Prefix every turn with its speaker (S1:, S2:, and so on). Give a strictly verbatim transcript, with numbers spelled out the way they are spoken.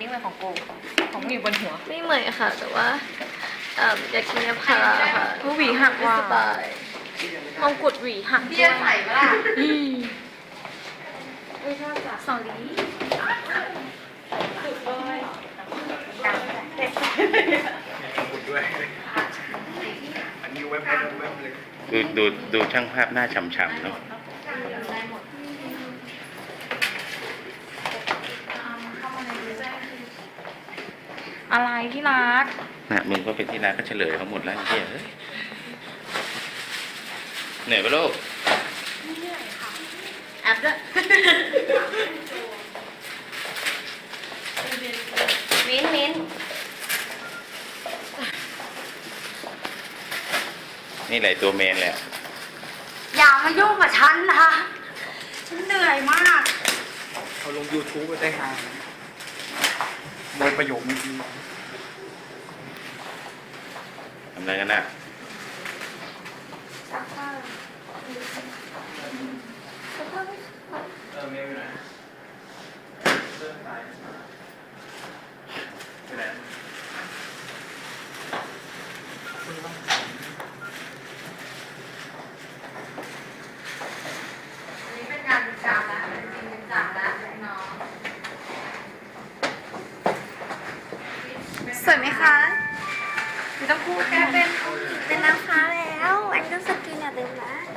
S1: เหมือนของโกของมีบนหัว
S2: ไม่เหมือนค่ะแต่ว่าอยากกินยาพาราค่ะ
S1: หวีหักว่า
S2: สบายมงกุฎหวีหัก
S1: เบี้ยใส่ปะล่ะ
S2: ไม่ชอบจ้ะสอรี่สุดเลย
S3: ด้วยอันนี้เว็บเว็บเว็บเลยดูดูดูช่างภาพหน้าฉ่ำๆเนาะ
S1: อะไรที่รัก
S3: น่ะมึงก็เป็นที่รักก็เฉลยเขาหมดแล้วเฮียเหนื่อยปะลูก
S2: เหนื่อยค่ะแอปด้วยมิ้นมิ้น
S3: นี่แหละตัวเมนแหละ
S2: อย่ามายุ่งกับฉันนะคะฉันเหนื่อยมาก
S3: เอาลง ยูทูบ ไปได้ฮาโดยประโยคเมื่อกี้ทำอะไรกันน่ะ
S2: ซักผ้าซักผ้า
S3: เออเมย์ไปไหนเริ่มตายไปไหน
S1: นี่เป็นงานประจำแล้วเป็นจริงเป็นจังแล้วน้อง
S2: สวยไหมคะไม่ต้องพูดแกเป็นเป็นนางฟ้าแล้วอันก็สกินอย่าลืมนะ